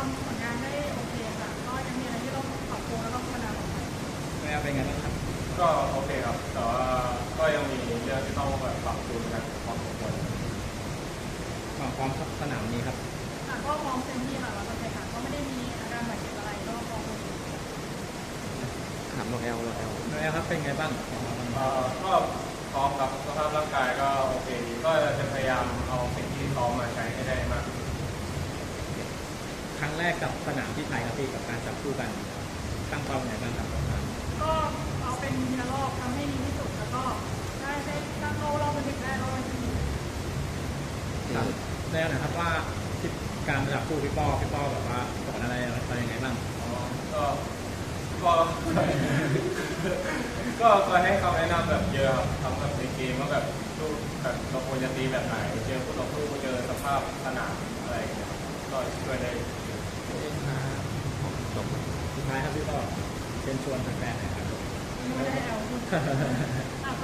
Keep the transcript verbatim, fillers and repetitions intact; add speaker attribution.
Speaker 1: ำผลงานได้โอเคค่ะก็ยังมีอะไรที่ต้องปรับปรุงแล้วก็พัฒนาต่อไป
Speaker 2: แม่เป็นไงบ้างครับ
Speaker 3: ก็โอเคครับแต่ว่าก็ยังมีเรื่องที่ต้องแบบปรับปรุงกันพอสมควร
Speaker 2: ความพร้อมสนามนี้ครับ
Speaker 1: ค่ะก็พร้อมเต็มที่ค่ะเราจะแข่งขันก็ไม่ได้มีอาการบาดเจ็บอะไรก็พร้อม
Speaker 4: ถามน้องแอลน้องแอล
Speaker 2: น้องแอลครับเป็นไงบ้าง
Speaker 3: เอ่อก็พร้อมครับสภาพร่างกายก็โอเคดีก็จะพยายามเอาสิ่งที่ซ้อมมาใช้ให้ได้มาก
Speaker 2: ครั้งแรกกับสนามที่ไทยครับพี่กับการจับคู่กันตั้งเป้าไงบ้างครับ
Speaker 1: ก็เอาเป็นทีละรอบทำให้ดีที่สุดแล้วก็ได้ได้ตั้งโลรอบเป็นถึงได้รอบที่ดี
Speaker 2: แล้วนะครับว่าการจับคู่พี่ป้อพี่ป้อแบบว่าสอนอะไรอะไรยังไงบ้าง
Speaker 3: ก็ก็ก็คอยให้คำแนะนำแบบเยอะครับทำแบบในเกมว่าแบบสู้แบบเราควรจะตีแบบไหนเจอคู่ต่อสู้เจอสภาพสนามอะไรก็ช่วยได้
Speaker 4: จบ
Speaker 2: สุดท้ายครับพี่ป้อเชิญชวนแฟนๆหน่อยครับ
Speaker 1: ไม่ได้เอา